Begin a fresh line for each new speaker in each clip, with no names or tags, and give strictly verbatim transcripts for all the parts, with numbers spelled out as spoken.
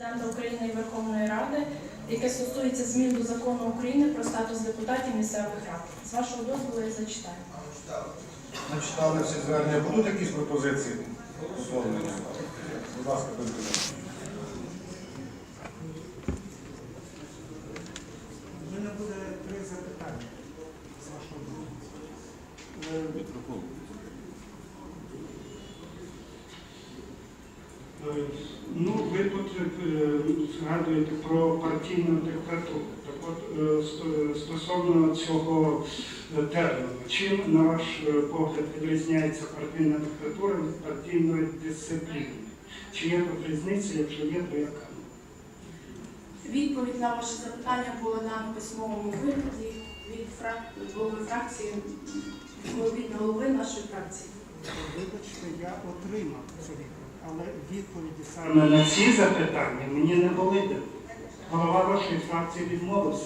Президента України і Верховної Ради, яке стосується змін до Закону України про статус депутатів місцевих рад. З вашого дозволу я зачитаю.
Начитали всі звернення. Будуть якісь пропозиції? Будь ласка, пане Президент.
У мене буде три запитання з вашого дозволу.
Мікрофон.
Ну, ви тут е, згадуєте про партійну диктатуру. Так от, е, ст- стосовно цього е, терміну, чим, на ваш е, погляд, відрізняється партійна диктатура від партійної дисципліни? Чи є тут різниця, якщо є, то яка?
Відповідь на ваше запитання була дана в письмовому вигляді від фрак... голови фракції, від голови нашої фракції.
Вибачте, я отримав цю відповідь, але відповіді саме на ці запитання мені не були дані. Голова вашої фракції відмовився.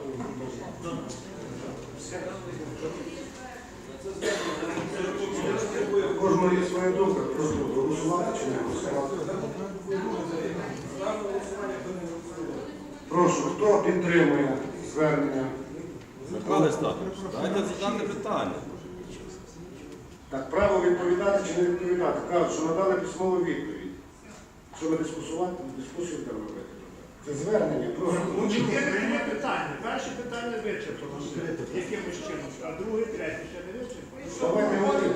Кожного є своя думка. Прошу голосувати чи не голосувати. Прошу, хто підтримує звернення?
Михайло Стахович, дайте задати питання.
Так, право відповідати чи не відповідати? Кажуть, що надали письмову відповідь. Що ми дискусувати, дискусію будемо робити? Це звернення. Прошу.
Ну, чотири питання. Перше питання вичерпано якимось чином, а друге, третє ще не вичерпано.
Давайте говорити.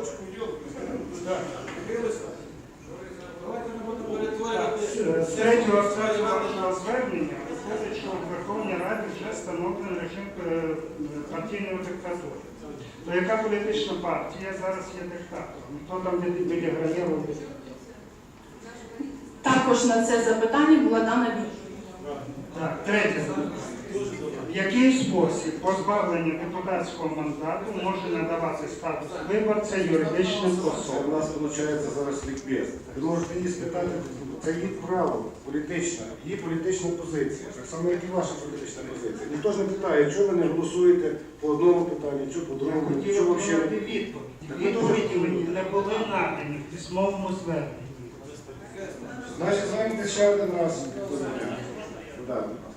З третього абзацу вашого звернення виходить, що в Верховній Раді вже встановлений режим е, партійної диктатури. То яка політична партія зараз є диктатором? Хто там відіграє роль?
Також на це запитання була дана відповідь.
Так, третє запитання. В який спосіб позбавлення депутатського мандату може надавати статус виборця юридичним
Це у
особам?
нас виходить зараз лікбез. Ви можете її спитати, це її право політичне, її політична позиція. Так само, як і ваша політична позиція. Ніхто ж не питає, чого ви не голосуєте по одному питанню, чи по
Я
другому,
хотів
чого
отримати
взагалі.
відповідь. Відповіді мені не були надані в письмовому зверненні.
Значить, займете ще один раз. Так.